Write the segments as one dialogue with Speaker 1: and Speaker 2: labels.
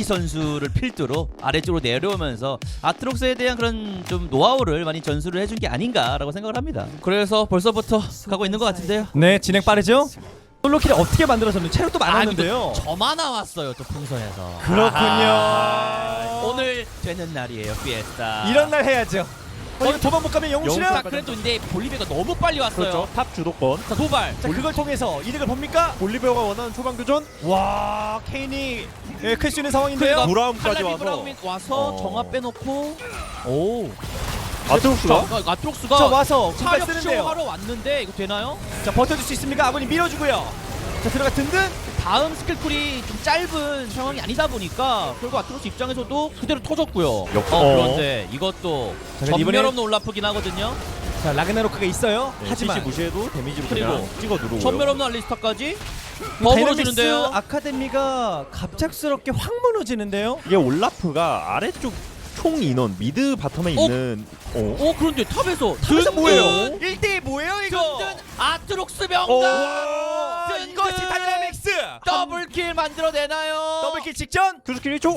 Speaker 1: 선수를 필두로 아래쪽으로 내려오면서 아트록스에 대한 그런 좀 노하우를 많이 전수를 해준 게 아닌가라고 생각을 합니다. 그래서 벌써부터 가고 있는 것 같은데요.
Speaker 2: 네, 진행 빠르죠? 솔로킬이 어떻게 만들어졌는지 체력도 많았는데요.
Speaker 1: 저만 나왔어요 또 풍선에서.
Speaker 2: 그렇군요.
Speaker 1: 오늘 되는 날이에요 피에스타.
Speaker 2: 이런 날 해야죠. 이거 도망 못 가면 영웅실은.
Speaker 1: 자 그래도 근데 볼리비아가 너무 빨리 왔어요.
Speaker 3: 그렇죠. 탑 주도권.
Speaker 1: 자 도발.
Speaker 2: 자, 그걸 통해서 이득을 봅니까?
Speaker 3: 볼리비아가 원하는 초반 교전.
Speaker 2: 와, 케인이 클 수 있는 상황인데요.
Speaker 3: 브라움까지
Speaker 1: 칼라비
Speaker 3: 와서.
Speaker 1: 브라움이 와서 정합 빼놓고 오
Speaker 3: 아트록스가
Speaker 1: 아트록스가
Speaker 2: 자, 와서 공간
Speaker 1: 차력
Speaker 2: 쓰는데요.
Speaker 1: 쇼하러 왔는데 이거 되나요?
Speaker 2: 자, 버텨줄 수 있습니까? 아군이 밀어주고요. 자, 들어가 든든.
Speaker 1: 다음 스킬쿨이 좀 짧은 상황이 아니다 보니까 결국 아트록스 입장에서도 그대로 터졌고요. 그런데 이것도
Speaker 2: 자,
Speaker 1: 전멸
Speaker 2: 이번엔-
Speaker 1: 없는 올라프긴 하거든요.
Speaker 2: 자, 라그나로크가 있어요.
Speaker 3: 하지만
Speaker 2: 하지만
Speaker 3: 무시해도 데미지로
Speaker 1: 그리고
Speaker 3: 그냥 찍어 누르고요.
Speaker 1: 전멸 없는 알리스타까지 더
Speaker 2: 다이나믹스
Speaker 1: 벌어지는데요.
Speaker 2: 아카데미가 갑작스럽게 확 무너지는데요.
Speaker 3: 이게 올라프가 아래쪽 총 인원 미드 바텀에 있는
Speaker 1: 그런데 탑에서
Speaker 2: 탑에서 뭐예요?
Speaker 1: 든든
Speaker 2: 1대1 뭐예요 이거?
Speaker 1: 든든 아트록스
Speaker 3: 오.
Speaker 1: 명단 든든
Speaker 2: 이것이 다이나믹스
Speaker 1: 더블킬 만들어내나요?
Speaker 2: 더블킬 직전.
Speaker 3: 투스킬 1초.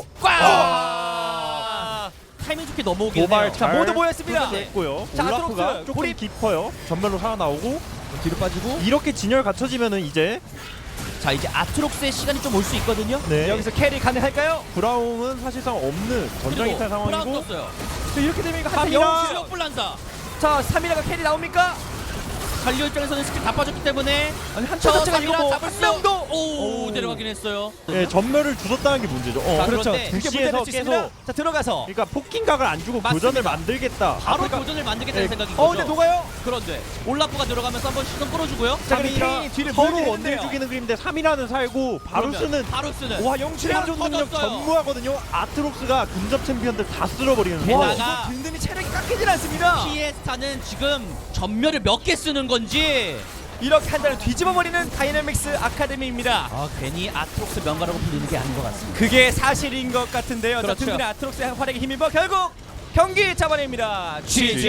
Speaker 1: 꽝! 타이밍 좋게 넘어오긴
Speaker 3: 도발
Speaker 1: 해요.
Speaker 2: 자,
Speaker 3: 잘
Speaker 2: 모두 모였습니다.
Speaker 3: 했고요.
Speaker 2: 자,
Speaker 3: 올라프가
Speaker 2: 아트록스,
Speaker 3: 조금
Speaker 2: 고립.
Speaker 3: 깊어요. 전멸로 살아나오고
Speaker 2: 뒤로 빠지고.
Speaker 3: 이렇게 진열 갖춰지면은 이제
Speaker 1: 자 이제 아트록스의 시간이 좀 올 수 있거든요.
Speaker 3: 네.
Speaker 2: 여기서 캐리 가능할까요?
Speaker 3: 브라움은 사실상 없는 전장이탈
Speaker 1: 브라운
Speaker 3: 상황이고
Speaker 1: 떴어요.
Speaker 2: 자, 이렇게 되면 이거 한타
Speaker 3: 삼이라.
Speaker 2: 영웅실.
Speaker 1: 지역 불란사.
Speaker 2: 자, 3이라가 캐리 나옵니까?
Speaker 1: 갈리오 입장에서는 스킬 다 빠졌기 때문에
Speaker 2: 아니, 한타 자체가 이거 뭐
Speaker 1: 잡을
Speaker 2: 한
Speaker 1: 수
Speaker 2: 명도.
Speaker 1: 오 내려가긴 했어요.
Speaker 3: 예, 전멸을 주셨다는 게 문제죠.
Speaker 1: 자,
Speaker 2: 그렇죠.
Speaker 1: 그런데
Speaker 2: 그게
Speaker 3: 부시에서
Speaker 2: 문제될 수 있습니다.
Speaker 3: 계속
Speaker 2: 자, 들어가서.
Speaker 3: 그러니까 폭킹각을 안 주고
Speaker 1: 맞습니다.
Speaker 3: 교전을 만들겠다.
Speaker 1: 바로
Speaker 3: 아프리카-
Speaker 1: 도전을 만들겠다는
Speaker 3: 네.
Speaker 1: 생각인 거죠.
Speaker 2: 근데 녹아요?
Speaker 1: 그런데 올라프가 들어가면서 한번 시선 끌어주고요.
Speaker 2: 자, 그럼
Speaker 3: 3이라
Speaker 2: 케인이 뒤를
Speaker 3: 서로
Speaker 2: 물게
Speaker 3: 원딜
Speaker 2: 했네요.
Speaker 3: 죽이는 그림인데 3이라는 살고 바루스는
Speaker 1: 바루스는
Speaker 3: 와 영출의
Speaker 1: 그냥
Speaker 3: 한정 능력
Speaker 1: 터졌어요.
Speaker 3: 전무하거든요. 아트록스가 근접 챔피언들 다 쓸어버리는
Speaker 1: 게다가-
Speaker 2: 이거 든든히 체력이 깎이질 않습니다.
Speaker 1: 피에스타는 지금 전멸을 몇 개 쓰는 건지
Speaker 2: 이렇게 한 달을 뒤집어버리는 다이나믹스 아카데미입니다.
Speaker 1: 괜히 아트록스 명가라고 불리는 게 아닌 것 같습니다.
Speaker 2: 그게 사실인 것 같은데요.
Speaker 1: 그렇죠.
Speaker 2: 자, 든든의 아트록스의 활약에 힘입어 결국 경기 잡아냅니다.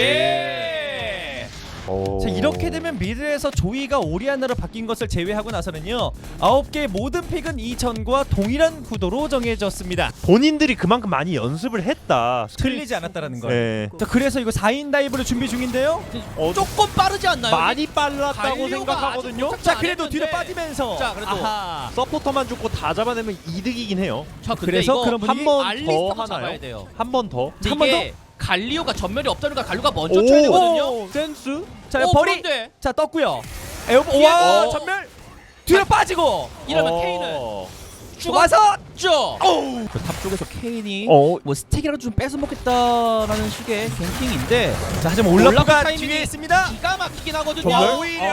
Speaker 2: GG. 자, 이렇게 되면 미드에서 조이가 오리아나로 바뀐 것을 제외하고 나서는요 9개의 모든 픽은 이전과 동일한 구도로 정해졌습니다.
Speaker 3: 본인들이 그만큼 많이 연습을 했다.
Speaker 2: 틀리지 않았다라는 거예요.
Speaker 3: 네.
Speaker 2: 자, 그래서 이거 4인 다이브를 준비 중인데요.
Speaker 1: 조금 빠르지 않나요?
Speaker 3: 많이 빨랐다고
Speaker 1: 갈리오가
Speaker 3: 생각하거든요.
Speaker 1: 아직
Speaker 2: 자,
Speaker 1: 안
Speaker 2: 그래도
Speaker 1: 했는데.
Speaker 2: 뒤로 빠지면서.
Speaker 1: 자, 그래도.
Speaker 2: 아하.
Speaker 3: 서포터만 죽고 다 잡아내면 이득이긴 해요.
Speaker 1: 자, 근데
Speaker 2: 그래서
Speaker 1: 이거
Speaker 2: 그런 분위기
Speaker 3: 한 번 더
Speaker 1: 알리스타도 잡아야
Speaker 3: 하나요?
Speaker 1: 돼요.
Speaker 3: 한 번 더.
Speaker 1: 근데
Speaker 2: 한번
Speaker 1: 이게 갈리오가 전멸이 없다니까 갈리오가 먼저 쳐야 되거든요.
Speaker 3: 오, 센스.
Speaker 2: 자, 버리.
Speaker 1: 그런데
Speaker 2: 자, 떴고요. 에어보.
Speaker 1: 뒤에-
Speaker 2: 와, 전멸. 뒤로 빠지고.
Speaker 1: 이러면 케인은
Speaker 2: 와서.
Speaker 1: 죽었죠. 탑 쪽에서 케인이
Speaker 3: 어.
Speaker 1: 뭐 스택이라도 좀 뺏어 먹겠다라는 식의 갱킹인데
Speaker 2: 자, 하지만 올라프가
Speaker 1: 올라프 타이밍이
Speaker 2: 뒤에 있습니다.
Speaker 1: 기가 막히긴 하거든요.
Speaker 3: 정말?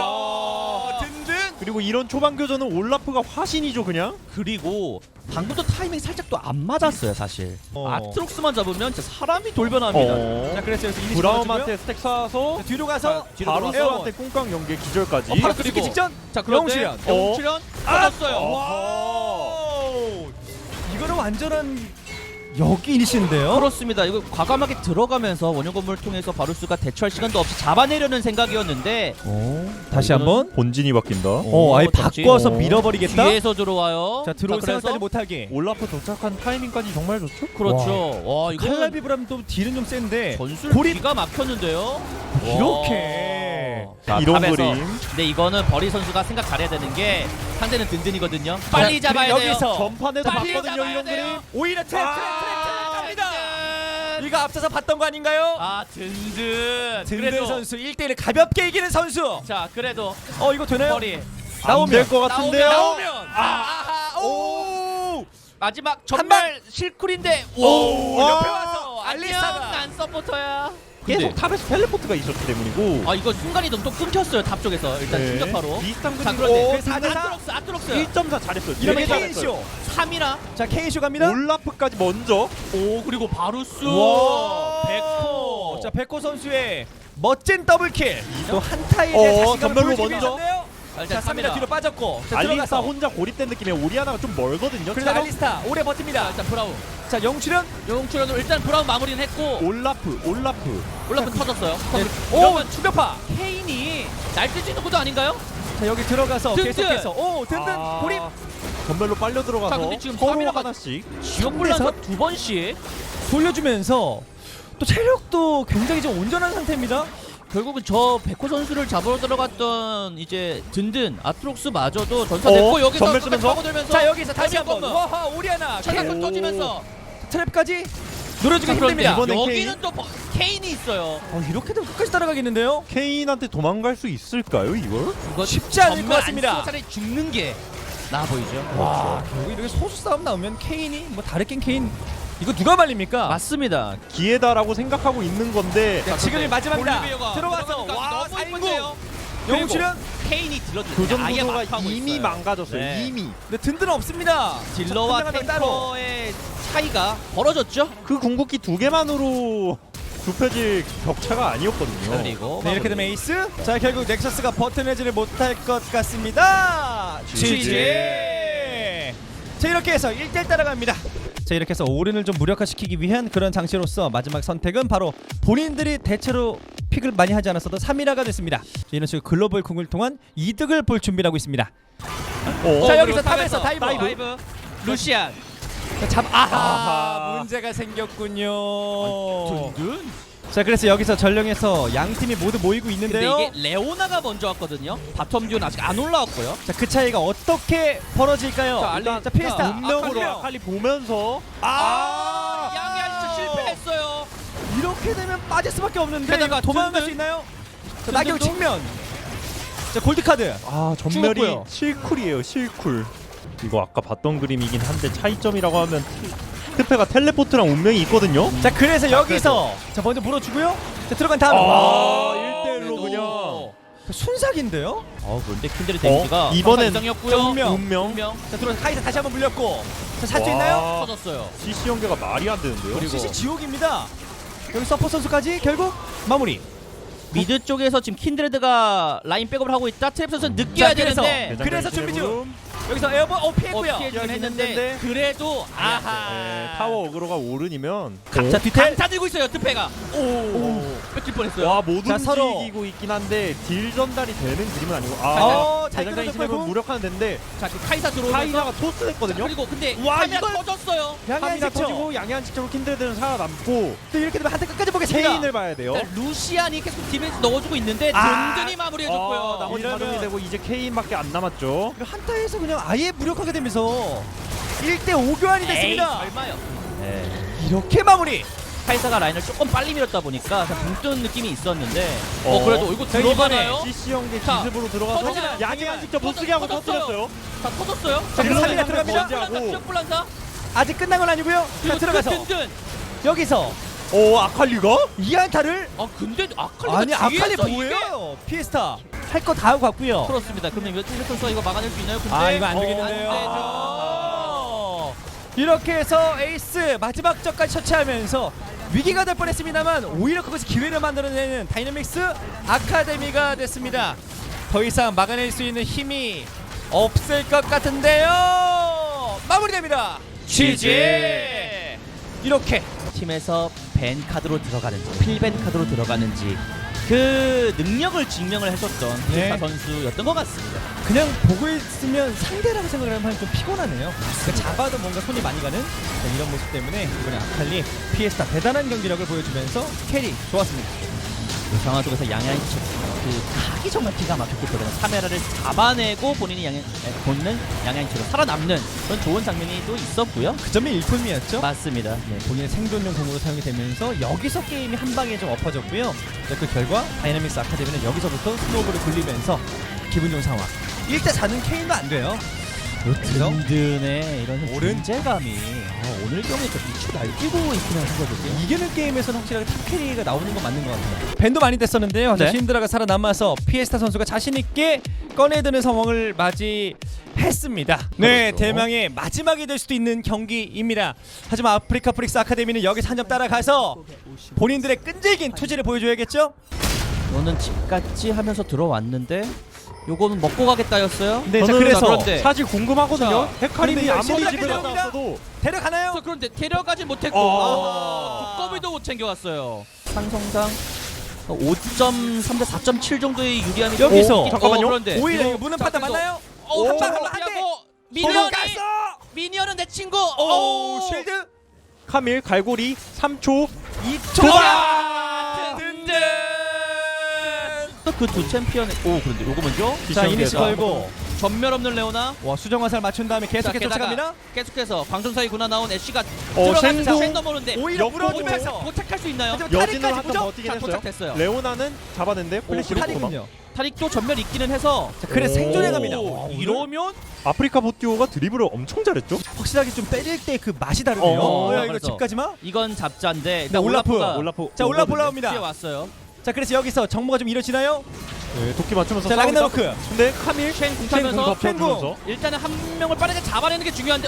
Speaker 2: 오히려 든든.
Speaker 3: 그리고 이런 초반 교전은 올라프가 화신이죠 그냥.
Speaker 1: 그리고 방금도 타이밍 살짝 또 안 맞았어요 사실.
Speaker 2: 어.
Speaker 1: 아트록스만 잡으면 진짜 사람이 돌변합니다.
Speaker 2: 자, 그래서 여기서 이니시
Speaker 3: 브라움한테 스택 쏴서
Speaker 2: 자, 뒤로 가서
Speaker 1: 뒤로
Speaker 3: 바루스한테 꽁깡 연계 기절까지.
Speaker 2: 바로
Speaker 1: 그리고-
Speaker 2: 그리고 직전.
Speaker 1: 자 그런데
Speaker 2: 영출연.
Speaker 1: 영출연 터졌어요.
Speaker 2: 와우. 이거는 완전한 여기 이니시인데요.
Speaker 1: 그렇습니다. 이거 과감하게 들어가면서 원형 건물을 통해서 바루스가 대처할 시간도 없이 잡아내려는 생각이었는데
Speaker 2: 다시 한번.
Speaker 3: 본진이 바뀐다.
Speaker 2: 아예
Speaker 1: 던지.
Speaker 2: 바꿔서 밀어버리겠다.
Speaker 1: 뒤에서 들어와요.
Speaker 2: 자, 들어올
Speaker 1: 그래서
Speaker 2: 생각까지 못하게.
Speaker 3: 올라프 도착한 타이밍까지 정말 좋죠.
Speaker 1: 그렇죠. 와 이거
Speaker 2: 칼날비브라면 또 딜은 좀 센데
Speaker 1: 전술
Speaker 2: 고립.
Speaker 1: 기가 막혔는데요.
Speaker 2: 이렇게.
Speaker 1: 자,
Speaker 3: 이런
Speaker 1: 탑에서.
Speaker 3: 그림.
Speaker 1: 근데 이거는 버리 선수가 생각 잘해야 되는 게 상대는 든든이거든요. 빨리
Speaker 2: 자,
Speaker 1: 잡아야 돼요.
Speaker 2: 여기서
Speaker 3: 전판에도
Speaker 1: 빨리
Speaker 3: 봤거든요
Speaker 1: 잡아야
Speaker 3: 이런
Speaker 1: 돼요.
Speaker 3: 그림.
Speaker 2: 오히려 트랩 갑니다.
Speaker 1: 든든.
Speaker 2: 이거 앞서서 봤던 거 아닌가요?
Speaker 1: 아 든든.
Speaker 2: 든든
Speaker 1: 그래도
Speaker 2: 선수 1대1을 가볍게 이기는 선수.
Speaker 1: 자 그래도
Speaker 2: 이거 되나요?
Speaker 1: 버리
Speaker 2: 나오면.
Speaker 3: 안될것 같은데요.
Speaker 1: 나오면
Speaker 2: 오.
Speaker 1: 마지막
Speaker 2: 한 방.
Speaker 1: 전멸 실쿨인데
Speaker 2: 오,
Speaker 3: 와.
Speaker 2: 옆에 와서 알리사가.
Speaker 1: 안녕 난 서포터야.
Speaker 3: 계속
Speaker 1: 근데-
Speaker 3: 탑에서 텔레포트가 있었기 때문이고.
Speaker 1: 아 이거 순간이동 또 끊겼어요 탑 쪽에서 일단
Speaker 3: 네.
Speaker 1: 충격파로.
Speaker 3: 비슷한
Speaker 1: 자
Speaker 3: 그림으로
Speaker 1: 그런데
Speaker 2: 그 4대4.
Speaker 1: 아트록스
Speaker 3: 1.4 잘했어요.
Speaker 2: 이러면
Speaker 3: 되게 잘했어요.
Speaker 2: 케인쇼.
Speaker 1: 3이나
Speaker 2: 자, 케인쇼 갑니다.
Speaker 3: 올라프까지 먼저.
Speaker 1: 오 그리고 바루스
Speaker 2: 와.
Speaker 1: 백호.
Speaker 2: 자, 백호 선수의 멋진 더블킬. 또 한타에 대한 자신감을
Speaker 3: 전멸로
Speaker 2: 보여주기
Speaker 3: 먼저.
Speaker 2: 위해서인데요. 자, 3이라 뒤로 빠졌고. 자,
Speaker 3: 알리스타
Speaker 2: 들어가서.
Speaker 3: 혼자 고립된 느낌에 오리아나가 좀 멀거든요.
Speaker 2: 그래서 알리스타 오래 버팁니다.
Speaker 1: 일단 브라운
Speaker 2: 자, 영출연.
Speaker 1: 영출연으로 일단 브라운 마무리는 했고
Speaker 3: 올라프.
Speaker 1: 올라프 터졌어요.
Speaker 2: 오, 충격파.
Speaker 1: 케인이 날뛸 수 있는 것도 아닌가요?
Speaker 2: 자, 여기 들어가서
Speaker 1: 든든.
Speaker 2: 계속해서 든든
Speaker 3: 아.
Speaker 2: 고립.
Speaker 3: 전멸로 빨려
Speaker 1: 자,
Speaker 3: 들어가서
Speaker 1: 근데 지금
Speaker 3: 서로
Speaker 1: 카메라가
Speaker 3: 하나씩.
Speaker 1: 지옥불란서 두 번씩
Speaker 2: 돌려주면서 또 체력도 굉장히 좀 온전한 상태입니다.
Speaker 1: 결국은 저 백호 선수를 잡으러 들어갔던 이제 든든 아트록스마저도 전사됐고 여기서
Speaker 3: 전멸 쓰면서?
Speaker 1: 파고들면서
Speaker 2: 자 여기서 다시
Speaker 1: 잠깐만.
Speaker 2: 한번 와하 오리아나
Speaker 1: 차량을
Speaker 3: 오.
Speaker 1: 터지면서
Speaker 2: 트랩까지 노려주기
Speaker 1: 자, 그런데
Speaker 2: 힘듭니다.
Speaker 3: 이번엔
Speaker 1: 여기는 또 케인이 있어요.
Speaker 2: 이렇게 되면 끝까지 따라가겠는데요?
Speaker 3: 케인한테 도망갈 수 있을까요 이걸?
Speaker 1: 이거
Speaker 2: 쉽지 않을
Speaker 1: 전멸
Speaker 2: 것
Speaker 1: 안
Speaker 2: 같습니다.
Speaker 1: 쓰고 차라리 죽는 게 나아 보이죠.
Speaker 2: 와 결국 이렇게 소수 싸움 나오면 케인이 뭐 다르긴 케인 이거 누가 말립니까?
Speaker 1: 맞습니다.
Speaker 3: 기회다라고 생각하고 있는 건데
Speaker 2: 네, 지금이 마지막이다.
Speaker 1: 볼리비아가
Speaker 2: 들어와서
Speaker 1: 들어가니까
Speaker 2: 와
Speaker 1: 너무
Speaker 2: 살구
Speaker 1: 이쁜데요.
Speaker 2: 영웅 출연.
Speaker 1: 케인이 들어주는
Speaker 3: 교전
Speaker 1: 아예
Speaker 3: 구도가
Speaker 1: 막하고
Speaker 3: 이미
Speaker 1: 있어요.
Speaker 3: 망가졌어요.
Speaker 1: 네.
Speaker 3: 이미
Speaker 2: 근데 든든은 없습니다.
Speaker 1: 딜러와
Speaker 2: 자, 따로.
Speaker 1: 탱커의 차이가 벌어졌죠.
Speaker 3: 그 궁극기 두 개만으로 좁혀질 격차가 아니었거든요.
Speaker 1: 그리고
Speaker 2: 네, 이렇게 되면 에이스. 자 결국 넥서스가 버텨내지를 못할 것 같습니다.
Speaker 3: GG.
Speaker 2: 자 이렇게 해서 1대1 따라갑니다. 자 이렇게 해서 오른을 좀 무력화시키기 위한 그런 장치로서 마지막 선택은 바로 본인들이 대체로 픽을 많이 하지 않았어도 3위라가 됐습니다. 자, 이런 식으로 글로벌 궁을 통한 이득을 볼 준비를 하고 있습니다. 자, 여기서 탑에서 다이브.
Speaker 1: 루시안
Speaker 2: 자,
Speaker 3: 아하.
Speaker 2: 문제가 생겼군요.
Speaker 1: 든든.
Speaker 2: 자 그래서 여기서 전령에서 양 팀이 모두 모이고
Speaker 1: 근데
Speaker 2: 있는데요.
Speaker 1: 이게 레오나가 먼저 왔거든요. 바텀 듀는 아직 안 올라왔고요.
Speaker 2: 자 그 차이가 어떻게 벌어질까요?
Speaker 1: 자, 알리-
Speaker 2: 자 피에스타
Speaker 3: 운명으로
Speaker 2: 아칼리.
Speaker 3: 아칼리 보면서
Speaker 1: 양이 아직 실패했어요.
Speaker 2: 이렇게 되면 빠질 수밖에 없는데
Speaker 1: 게다가
Speaker 2: 이거 도망갈
Speaker 1: 든든.
Speaker 2: 수 있나요? 자 나경
Speaker 1: 든든도?
Speaker 2: 측면. 자 골드 카드.
Speaker 3: 전멸이
Speaker 2: 죽었고요.
Speaker 3: 실쿨이에요. 실쿨. 이거 아까 봤던 그림이긴 한데 차이점이라고 하면 트페가 텔레포트랑 운명이 있거든요.
Speaker 2: 자 그래서 여기서 자 먼저 물어주고요. 자 들어간 다음
Speaker 3: 1대1로 그냥.
Speaker 2: 순삭인데요?
Speaker 1: 그런데 킨드의 데미지가
Speaker 3: 이번엔
Speaker 1: 이상이었고요.
Speaker 2: 운명. 자 들어간 카이사 다시 한번 물렸고. 자 살 수
Speaker 3: 와.
Speaker 2: 있나요?
Speaker 1: 터졌어요.
Speaker 3: CC 연계가 말이 안 되는데요.
Speaker 2: 그리고 CC 지옥입니다. 여기 서포 선수까지 결국 마무리.
Speaker 1: 미드 쪽에서 지금 킨드레드가 라인 백업을 하고 있다. 트랩 선수는 느껴야
Speaker 2: 자, 그래서.
Speaker 1: 되는데
Speaker 2: 그래서 준비 중.
Speaker 3: 중.
Speaker 2: 여기서 에어본 피했고요.
Speaker 1: 피해주긴 했는데
Speaker 3: 했는데.
Speaker 1: 그래도 아하
Speaker 3: 네, 타워 어그로가 오른이면
Speaker 2: 자 뒤태.
Speaker 1: 강타 들고 있어요. 트페가 뺏길 뻔했어요.
Speaker 3: 와 못
Speaker 2: 자, 서로.
Speaker 3: 움직이고 있긴 한데 딜 전달이 되는 그림은 아니고
Speaker 2: 자이크로도
Speaker 3: 대장장이 치면
Speaker 2: 빼고.
Speaker 3: 무력하는 데인데
Speaker 1: 자, 그 카이사 들어오면서
Speaker 3: 카이사가
Speaker 1: 자,
Speaker 3: 토스했거든요.
Speaker 1: 그리고 근데
Speaker 3: 와,
Speaker 1: 카메라
Speaker 3: 이걸-
Speaker 1: 터졌어요.
Speaker 2: 양양
Speaker 3: 카미나
Speaker 2: 직접.
Speaker 3: 터지고 양양 직접으로 킨드레드는 살아남고
Speaker 2: 또 이렇게 되면 한대 끝까지 보겠습니다.
Speaker 3: 케인을 봐야 돼요.
Speaker 1: 자, 루시안이 계속 디펜스 넣어주고 있는데 든든히 마무리해줬고요.
Speaker 3: 나머지
Speaker 2: 이러면-
Speaker 3: 가정이 되고 이제 케인밖에 안 남았죠.
Speaker 2: 한타에서 그냥 아예 무력하게 되면서 1대5 교환이
Speaker 1: 에이,
Speaker 2: 됐습니다.
Speaker 1: 설마요.
Speaker 2: 이렇게 마무리.
Speaker 1: 카이사가 라인을 조금 빨리 밀었다 보니까 붕 뜨는 느낌이 있었는데
Speaker 3: 어.
Speaker 1: 그래도 이거
Speaker 2: 자,
Speaker 1: 들어가나요?
Speaker 3: CC 연계
Speaker 1: 자,
Speaker 3: 기습으로 들어가서
Speaker 1: 터지나요?
Speaker 3: 양양 직접 못쓰게 하고
Speaker 1: 터졌어요.
Speaker 3: 터뜨렸어요.
Speaker 1: 다 터졌어요.
Speaker 2: 자, 그래서
Speaker 3: 딜러는
Speaker 2: 3위가
Speaker 3: 한명
Speaker 2: 들어갑니다.
Speaker 3: 먼저 하고.
Speaker 1: 지역불란사
Speaker 2: 아직 끝난 건 아니고요. 자
Speaker 1: 그리고
Speaker 2: 들어가서
Speaker 1: 든든.
Speaker 2: 여기서
Speaker 3: 아칼리가?
Speaker 2: 이 한타를
Speaker 1: 근데 아칼리가
Speaker 2: 아니 아칼리
Speaker 1: 뒤에서 이게-
Speaker 2: 뭐예요? 피에스타 할 거 다 하고 갔고요.
Speaker 1: 그렇습니다. 그러면 이거 틸레 선수가 이거 막아낼 수 있나요? 근데
Speaker 2: 아 이거 안 되겠는데요.
Speaker 1: 안 되죠.
Speaker 2: 이렇게 해서 에이스 마지막 적까지 처치하면서 위기가 될 뻔했습니다만 오히려 그것이 기회를 만들어내는 다이내믹스 아카데미가 됐습니다. 더 이상 막아낼 수 있는 힘이 없을 것 같은데요. 마무리됩니다. GG. 이렇게
Speaker 1: 팀에서 밴 카드로 들어가는지 필밴 카드로 들어가는지 그 능력을 증명을 해줬던
Speaker 2: 네.
Speaker 1: 피에스타 선수였던 것 같습니다.
Speaker 2: 그냥 보고 있으면 상대라고 생각을 하면 좀 피곤하네요. 그러니까 잡아도 뭔가 손이 많이 가는 이런 모습 때문에 이번에 아칼리 피에스타 대단한 경기력을 보여주면서 캐리 좋았습니다.
Speaker 1: 그 상황 속에서 양양이 그 각이 정말 기가 막혔기 때문에 카메라를 잡아내고 본인이 본능 양양이처럼 살아남는 그런 좋은 장면이 또 있었고요.
Speaker 2: 그 점이 일품이었죠.
Speaker 1: 맞습니다.
Speaker 2: 네, 본인의 생존용 공으로 사용이 되면서 여기서 게임이 한 방에 좀 엎어졌고요. 그 결과 다이나믹스 아카데미는 여기서부터 스노우볼을 굴리면서 기분 좋은 상황. 1대4는 케인도 안 돼요. 그렇죠?
Speaker 1: 든든의 이런
Speaker 2: 오른?
Speaker 1: 존재감이 오늘 경기에 좀 미쳐 날뛰고 있구나 생각해요.
Speaker 2: 이기는 게임에서는 확실하게 탑 캐리가 나오는 건 맞는 것 같아요. 밴도 많이 됐었는데요.
Speaker 1: 네.
Speaker 2: 신드라가 살아남아서 피에스타 선수가 자신 있게 꺼내드는 상황을 맞이했습니다. 네,
Speaker 3: 그렇죠.
Speaker 2: 대망의 마지막이 될 수도 있는 경기입니다. 하지만 아프리카 프릭스 아카데미는 여기서 한 점 따라가서 본인들의 끈질긴 투지를 보여줘야겠죠?
Speaker 1: 너는 집같이 하면서 들어왔는데 요거는 먹고 가겠다였어요.
Speaker 2: 네, 자
Speaker 3: 저는
Speaker 2: 그래서
Speaker 1: 그런데
Speaker 3: 사실 궁금하거든요.
Speaker 2: 자,
Speaker 3: 헤카림이
Speaker 2: 그런데
Speaker 3: 아무리
Speaker 2: 신드라
Speaker 3: 집에 갔다
Speaker 2: 데려옵니다.
Speaker 3: 왔어도
Speaker 2: 데려가나요?
Speaker 1: 그런데 데려가지 못했고 두꺼비도 못 챙겨왔어요. 상성상 5.3 대 4.7 정도의 유리함이
Speaker 2: 여기서
Speaker 1: 있-
Speaker 3: 잠깐만요.
Speaker 1: 그런데
Speaker 2: 오히려
Speaker 1: 이거-
Speaker 2: 이거 무는
Speaker 1: 자,
Speaker 2: 판단
Speaker 1: 그래서-
Speaker 2: 맞나요?
Speaker 1: 오,
Speaker 2: 한 방,
Speaker 1: 한
Speaker 2: 한 대!
Speaker 1: 대. 미니언이
Speaker 2: 갔어.
Speaker 1: 미니언은 내 친구.
Speaker 2: 오, 쉴드
Speaker 3: 카밀 갈고리 3초
Speaker 2: 2초.
Speaker 3: 도박!
Speaker 2: 든든.
Speaker 1: 그 두 챔피언의 그런데 요거 먼저
Speaker 2: 자, 이니시
Speaker 3: 비싼
Speaker 2: 걸고
Speaker 1: 전멸 없는 레오나.
Speaker 2: 와, 수정 화살 맞춘 다음에 계속해서
Speaker 1: 자, 게다가
Speaker 2: 쫓아갑니다.
Speaker 1: 계속해서 광전사의 군화 나온 애쉬가 들어가면서
Speaker 3: 쉔도
Speaker 1: 쉔 넘어오는데
Speaker 2: 오히려
Speaker 3: 역으로
Speaker 2: 물어주면서
Speaker 1: 도착할 수 있나요?
Speaker 2: 하지만
Speaker 3: 여진으로
Speaker 2: 탈익까지
Speaker 3: 한번
Speaker 2: 보죠?
Speaker 3: 버티긴
Speaker 1: 자,
Speaker 3: 했어요.
Speaker 1: 도착됐어요.
Speaker 3: 레오나는 잡았는데 플래시
Speaker 1: 그리고
Speaker 3: 도망.
Speaker 2: 탈이군요.
Speaker 1: 타릭도 전멸 있기는 해서
Speaker 2: 자, 그래 생존해 갑니다.
Speaker 1: 오,
Speaker 2: 와, 오늘
Speaker 1: 이러면
Speaker 3: 아프리카 보티오가 드리블을 엄청 잘했죠.
Speaker 2: 확실하게 좀 때릴 때 그 맛이 다르네요. 야, 이거
Speaker 1: 그래서.
Speaker 2: 집까지 마.
Speaker 1: 이건 잡자인데
Speaker 2: 네,
Speaker 1: 일단
Speaker 2: 올라프.
Speaker 1: 올라프가
Speaker 3: 올라프.
Speaker 2: 자, 올라프
Speaker 3: 오거든요.
Speaker 2: 올라옵니다.
Speaker 1: 뒤에 왔어요.
Speaker 2: 자, 그래서 여기서 정보가 좀 이루어지나요?
Speaker 3: 네, 도끼 맞추면서
Speaker 2: 자,
Speaker 3: 싸우기도
Speaker 2: 라그나로크.
Speaker 3: 하고. 근데 카밀
Speaker 1: 쉔
Speaker 3: 쉔
Speaker 1: 궁타면서
Speaker 3: 덮쳐주면서
Speaker 1: 일단은 한 명을 빠르게 잡아내는 게 중요한데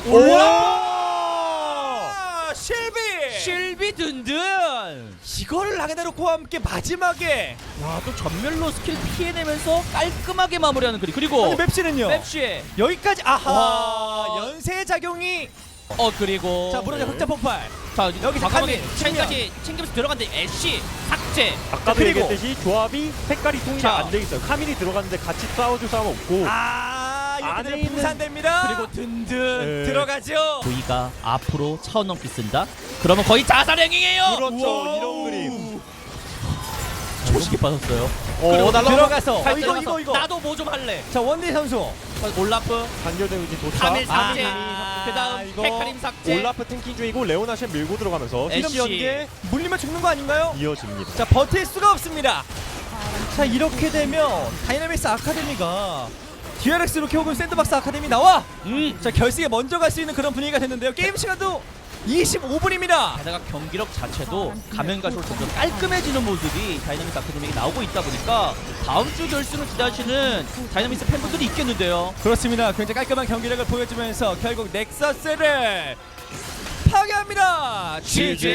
Speaker 2: 아, 실비.
Speaker 1: 실비 든든.
Speaker 2: 이거를 라그나로크와 함께 마지막에.
Speaker 1: 와, 또 전멸로 스킬 피해내면서 깔끔하게 마무리하는 그림. 그리고
Speaker 2: 근데 맵시는요.
Speaker 1: 맵시에
Speaker 2: 여기까지. 아하.
Speaker 1: 와.
Speaker 2: 연쇄 작용이.
Speaker 1: 그리고
Speaker 2: 자, 무너져 흑자 폭발.
Speaker 1: 자,
Speaker 2: 여기
Speaker 1: 과감하게
Speaker 2: 카밀,
Speaker 1: 쉔까지 챙기면서 들어갔는데 애쉬 삭제.
Speaker 3: 아까도
Speaker 2: 그리고.
Speaker 3: 얘기했듯이 조합이 색깔이 통일이
Speaker 1: 자.
Speaker 3: 안 돼 있어요. 카밀이 들어갔는데 같이 싸워줄 사람 없고
Speaker 2: 이렇게
Speaker 3: 안에
Speaker 2: 되면
Speaker 3: 있는-
Speaker 2: 분산됩니다.
Speaker 1: 그리고 든든.
Speaker 3: 네.
Speaker 2: 들어가죠.
Speaker 1: 조이가 앞으로 차원 넘기 쓴다. 그러면 거의 자살 행위예요.
Speaker 3: 그렇죠.
Speaker 2: 우와.
Speaker 3: 이런 그림.
Speaker 1: 초식이 빠졌어요.
Speaker 2: 그리고
Speaker 3: 날라가.
Speaker 2: 들어가서
Speaker 1: 잘
Speaker 2: 이거
Speaker 1: 들어가서
Speaker 2: 이거.
Speaker 1: 나도 뭐 좀 할래.
Speaker 2: 자, 원디 선수.
Speaker 1: 올라프,
Speaker 3: 단결 데미지 도착.
Speaker 1: 카밀 삭제.
Speaker 2: 아,
Speaker 1: 그다음
Speaker 2: 이거.
Speaker 1: 헤카림 삭제.
Speaker 3: 올라프 탱킹 중이고 레오나셴 밀고 들어가면서
Speaker 1: 애쉬.
Speaker 3: 시험 연계
Speaker 2: 물리면 죽는 거 아닌가요?
Speaker 3: 이어집니다.
Speaker 2: 자, 버틸 수가 없습니다. 자, 이렇게 되면 다이나믹스 아카데미가 DRX 로키 혹은 샌드박스 아카데미 나와. 자, 결승에 먼저 갈 수 있는 그런 분위기가 됐는데요. 게임 시간도 25분입니다.
Speaker 1: 게다가 경기력 자체도 가면 갈수록 점점 깔끔해지는 모습이 다이나믹스 아카데미에 나오고 있다 보니까 다음 주 결승을 기다리시는 다이나믹스 팬분들이 있겠는데요.
Speaker 2: 그렇습니다. 굉장히 깔끔한 경기력을 보여주면서 결국 넥서스를 파괴합니다. GG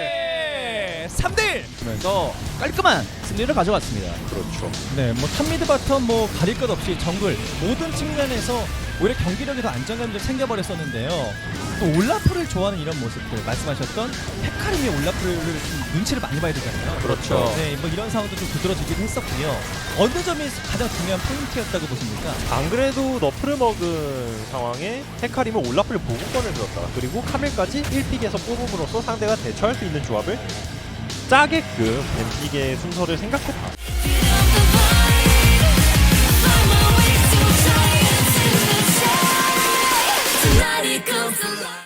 Speaker 2: 3대1.
Speaker 1: 그래서 깔끔한 승리를 가져갔습니다.
Speaker 3: 그렇죠.
Speaker 2: 네, 뭐 탑미드 바텀 뭐 가릴 것 없이 정글 모든 측면에서 오히려 경기력에서 안정감을 챙겨버렸었는데요. 또 올라프를 좋아하는 이런 모습들 말씀하셨던 헤카림이 올라프를 좀 눈치를 많이 봐야 되잖아요.
Speaker 1: 그렇죠.
Speaker 2: 네, 뭐 이런 상황도 좀 두드러지기도 했었고요. 어느 점이 가장 중요한 포인트였다고 보십니까?
Speaker 3: 안 그래도 너프를 먹은 상황에 헤카림은 올라프를 보고권을 들었다가 그리고 카밀까지 1픽에서 뽑음으로써 상대가 대처할 수 있는 조합을 짜게끔 뱀픽의 순서를 생각했다.
Speaker 4: Let it go.